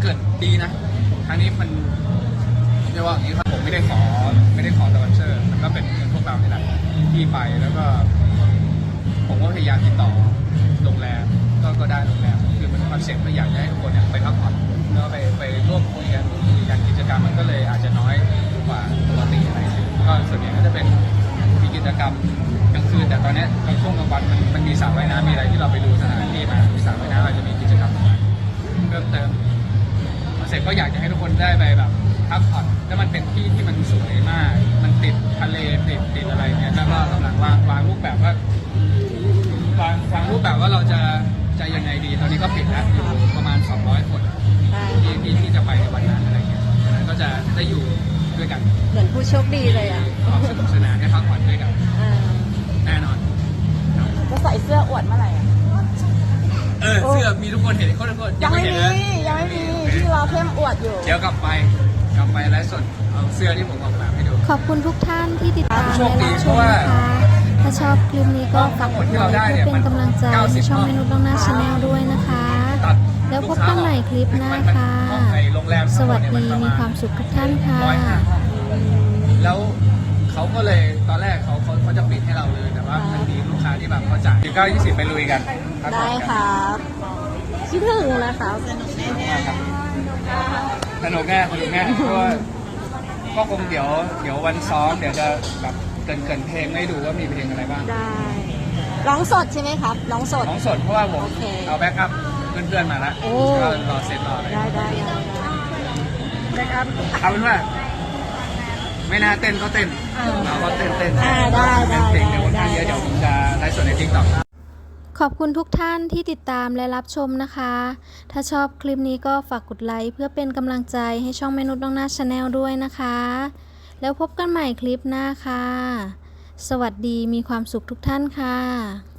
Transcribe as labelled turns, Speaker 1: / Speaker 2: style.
Speaker 1: กิดดีนะครั้งนี้มันเรียกว่าอย่างนี้ครับผมไม่ได้ขอสปอนเซอร์มันก็เป็นพวกเรานี่แหละที่ไปแล้วก็ผมก็พยายามติดต่อโรงแรมก็ได้โรงแรมคือมันคอนเซ็ปต์ก็อยากให้ทุกคนเนี่ยไปพักผ่อนแล้วไปร่วมคุยกันกิจกรรมมันก็เลยอาจจะน้อยกว่าปกติอะไรก็ส่วนใหญ่ก็จะเป็นมีกิจกรรมกลางคืนแต่ตอนนี้ในช่วงกลางวันมันมีสระว่ายน้ำมีอะไรที่เราไปดูสถานที่มามีสระว่ายน้ำอาจจะมีกิจกรรมเพิ่มเติมเสร็จก็อยากจะให้ทุกคนได้ไปแบบพักผ่อนแล้วมันเป็นที่ที่มันสวยมากมันติดทะเลติดอะไรเนี่ยแล้วก็กำลังวางรูปแบบว่าวางรูปแบบว่าเราจะยังไงดีตอนนี้ก็ปิดแล้วอยู่ประมาณ200 คนที่จะไปในวันนั้นอะไรเงี้ยฉะนั้นก็จะได้อยู่ด้วยกัน
Speaker 2: เหมือนผู้โชคดีเลยอ่ะ
Speaker 1: ความสนุกสนานได้พักผ่อนด้วยกันแน่นอน
Speaker 2: จะใส่เสื้ออวดเมื่อไหร่
Speaker 1: เสื้อมีทุกคนเห็นคน
Speaker 2: ยังไม่มีที่รอเข้มอวดอยู่
Speaker 1: เดี๋ยวกลับไปไลฟ์สดเอาเสื้อที่ผมออกแบบให้ดู
Speaker 3: ขอบคุณทุกท่านที่ติดตามและรับชมนะคะถ้าชอบคลิปนี้ก็ฝากกดไลค์เพื่อเป็นกำลังใจให้ช่องเมนูต้องหน้าชาแนลด้วยนะคะแล้วพบกันใหม่คลิปหน้าค่ะสวัสดีมีความสุขทุกท่านค่ะ
Speaker 1: แล้วเขาก็เลยตอนแรกเขาจะปิดให้เราเลยแต่ว่ามันมีลูกค้าที่แบบเขาจ่าย19-20ไปลุยกัน
Speaker 2: ได้ครับคิดถึงนะคะ
Speaker 1: สนุกแน่เพราะว่าก็คงเดี๋ยววันซ้อมเดี๋ยวจะแบบเกินเพลงให้ดูว่ามีเพลงอะไรบ้าง
Speaker 2: ได้ร้องสดใช่ไหมครับร้องสด
Speaker 1: เพราะว่าผมเอาแบ็กอัพเพื่อนๆมาแล้วก็รอเซตรอเลย
Speaker 2: ได้แบ็กอัพ
Speaker 1: เอาเป็นว่าไม่น่าเต้นก็เต้นเราก็เต้น
Speaker 2: ได้
Speaker 1: เพลงเดี๋ยวคนข้างเยอะเดี๋ยวผมจะไลฟ์สดในTikTok
Speaker 3: ขอบคุณทุกท่านที่ติดตามและรับชมนะคะ ถ้าชอบคลิปนี้ก็ฝากกดไลค์เพื่อเป็นกำลังใจให้ช่องเมนูต้องหน้าชาแนลด้วยนะคะ แล้วพบกันใหม่คลิปหน้าค่ะ สวัสดีมีความสุขทุกท่านค่ะ